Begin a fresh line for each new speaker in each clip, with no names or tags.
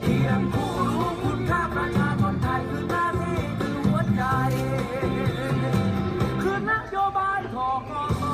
เพียงผู้รู้คุณค่าประชาชนไทยคือหน้าที่คือหัวใจคือนโยบายทกส.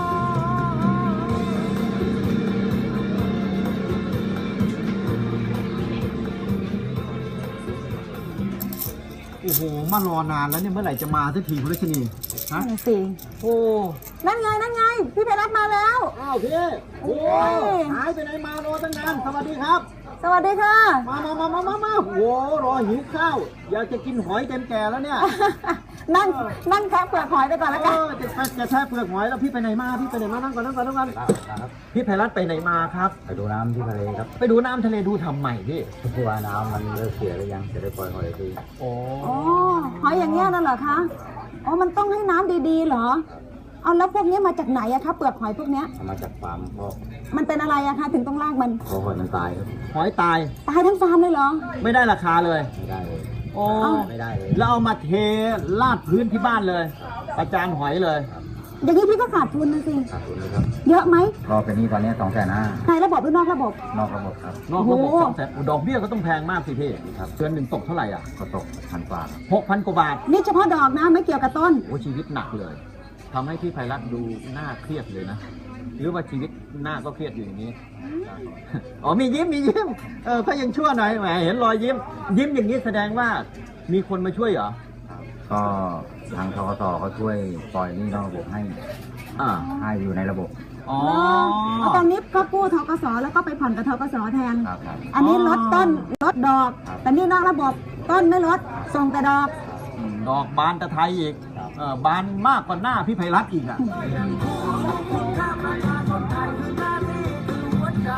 โอ้โหมารอนานแล้วเนี่ยเมื่อไหร่จะมาสักทีคุณรัชนีฮะ
นั่นสิ
โอ้
นั่นไงพี่ไพรัตน์มาแล้ว
อ้าวพี่โอ้หายไปไหนมารอตั้งนานสวัสดีครับ
สวัสดีค่ะ
มาโอ้รอหิวข้าวอยากจะกินหอยเต็มแก่แล้วเนี่ย
นั่งแคะเปลือกหอยไปก่อนแล้วกัน
จะแช่เปลือกหอยแล้วพี่ไปไหนมานั่งก่อนพี่ไพรัตน์ไปไหนมาครับ
ไปดูน้ำที่ทะเลครับ
ไปดูน้ำทะเลดูทำใหม่พี่
เพราะว่าน้ำมันเริ่มเสียหรือยังจะได้ปล่อยหอยที
โอ้
อ๋อหอยอย่างเงี้ยนั่นเหรอคะอ๋อมันต้องให้น้ำดีๆเหรอเอาแล้วพวกนี้มาจากไหนอะคะเปลือกหอยพวกเนี้ย
เอามาจากฟาร์มเพราะ
มันเป็นอะไรอะคะถึงต้องลากมัน
เพราะหอยมันตายครับ
หอยตาย
ตายทั้งฟาร์มเลยเหรอ
ไม่ได้ราคาเลย
ไม่ได้เลย
โอ้
ไม่ได้เลย
แล้วเอามาเทลาดพื้นที่บ้านเลย ประจานหอยเลย
อย่างนี้พี่ก็ขาดทุนนะสิ
ขาดทุนเลยครับ
เยอะไหม
ก็เป็นหนี้ตอนนี้250,000
ในระบบหรือนอกระบบ
นอกระบบครับ
นอกระบบ
โอ้โห
200,000ดอกเบี้ยก็ต้องแพงมากสิพี่
ครับ
เดือนหนึ่งตกเท่าไหร่อ่ะ
ก็ตก1,000 กว่าครับ
6,000 กว่าบาท
นี่เฉพาะดอกนะไม่เกี่ยวกับต้น
โอ้ชีวิตหนักเลยทำให้พี่ไพรัตน์ดูหน้าเครียดเลยนะ หรือว่าชีวิตหน้าก็เครียดอยู่อย่างนี้ อ๋อมียิ้มก็ยังชั่วหน่อยแหมเห็นรอยยิ้มอย่างนี้แสดงว่ามีคนมาช่วยเหรอ
ก็ทางทกสเขาช่วยปล่อยหนี้นอกระบบให้
อ่า
ให้อยู่ในระบบ
อ๋อ
เอาตอนนี้ก็กู้ทกสแล้วก็ไปผ่อนกับทกสแทน
ครับครับ
อันนี้ลดต้นลดดอก
ครับ
แต่นี่นอกระบบต้นไม่ลดส่งแต่ดอก
ดอกบานตะไทยอีก
ครับ
บานมากกว่าหน้าพี่ไพรัตน์อีกอ่ะ
ค่าประชาชนไทยคือหน้าที่คือหัวใจ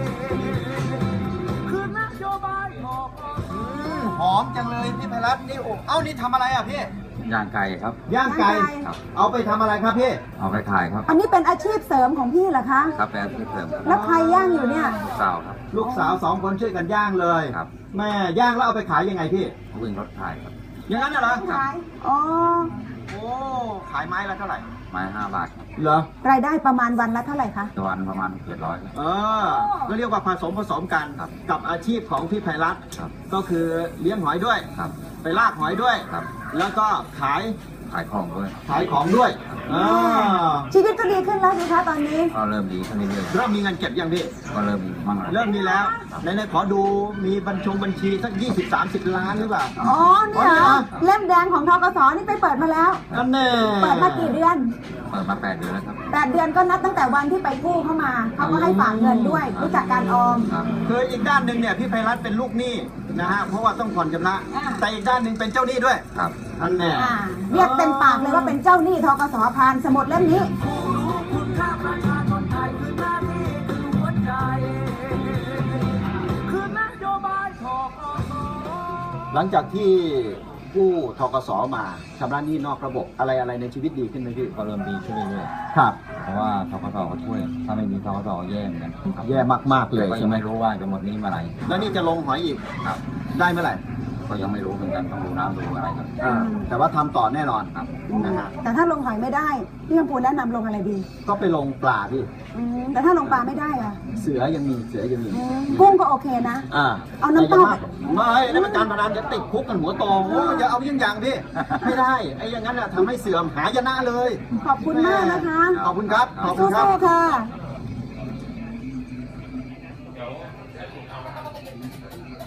คือนโยบายทกส.
หอมจังเลยพี่ไพรัตน์นี่โอ้เอ้านี่ทำอะไรอ่ะพี่
ย่างไก่ครับ
ย่างไก่
ครับ
เอาไปทำอะไรครับพี่
เอาไปขายครับ
อันนี้เป็นอาชีพเสริมของพี่เหรอคะ
ครับเป็นอาชีพเสริมครับ
แล้วใครย่างอยู่เนี่ย
สาวครับ
ลูกสาว2 คนช่วยกันย่างเลย
ครับ
แม่ย่างแล้วเอาไปขายยังไงพี่
วิ่งรถขายครับ
อย่างนั้นน่ะเหรอ
อ๋อ
โอ้ขายไม้ละเท่าไหร่
ไม้5 บาทครับ
เหรอ
รายได้ประมาณวันละเท่าไหร่คะ
วันประมาณ700ครับ
ก็เรียกว่าผสมกัน
ครับ
กับอาชีพของพี่ไพรัตน์
ครับ
ก็คือเลี้ยงหอยด้วย
ครับ
ไปลากหอยด้วย
ครับ
แล้วก็ขาย
ขายของด้วย
ของด้วยอ่า
ชีวิตก็ดีขึ้นแล้วสิคะตอนนี้
ก็เริ่มดีขึ้นเรื่อย
เริ่มมีเงินเก็บยังพี่
ๆก็เริ่มมีมั่งแล้ว
เริ่มมีแล้วไหนๆขอดูมีบัญชีสัก20-30 ล้านหรือเปล่า
อ๋อเนี่ยเหรอเล่มแดงของทกสนี่ไปเปิดมาแล้ว
นั่นแน่
เปิดมากี่เดือน
เปิดมา8 เดือนแล้วครับ
8 เดือนก็นับตั้งแต่วันที่ไปกู้เข้ามา เขาก็ให้ฝากเงินด้วย รู้จักการออม
ครับ
คืออีกด้านหนึ่งเนี่ยพี่ไพรัตน์เป็นลูกหนี้นะฮะเพราะว่าต้องผ่อนชำระ
อ่า
แต่อีกด้านหนึ่งเป็นเจ้าหนี้ด้วย
ครับ
นั่นแน่
เรียกเต็มปากเลยว่าเป็นเจ้าหนี้ทกสพานสมุดเล่มนี้
คุณค่าประชาชนไทยคือหน้าที่คือหัวใจคือนโยบายทกส.
หลังจากที่กู้ทกสมาชำระหนี้นอกระบบอะไรในชีวิตดีขึ้นไหมพี่
ก็เริ่มดีขึ้นเรื่อย
ครับ
ๆเพราะว่าทกสเขาช่วย ถ้าไม่มีทกสก็แย่เหมือนกันครับ
แย่มากๆเลย
ก็
ใช่
ยัง
ไหม
ไม่รู้ว่าจะหมดหนี้เมื่อไหร่
แล้วนี่จะลงหอยอีก
ครับ
ได้เมื่อไหร่
ก็ยังไม่รู้เหมือนกันต้องดูน้ำดูอะไรครับ
แต่ว่าทำต่อแน่นอน
ครับ
นะฮะ
แต่ถ้าลงหอยไม่ได้ พี่คำพูนแนะนำลงอะไรดี
ก็ไปลงปลาพี่
แต่ถ้าลงปลาไม่ได้อะ
เสือยังมี
กุ้งก็โอเคนะ เอาน้ำ
แต่
เต้า
อย่ไม่ในประการพนันจะติดคุกกันหัวโตโอ้อย่าเอายิ่งอย่างพี่ ไม่ได้ไอ้อย่างนั้นน่ะทำให้เสื่อมหายนะเลย
ขอบคุณมากนะคะ
ขอบคุณครับขอบคุณครับ
สู้ๆค่ะ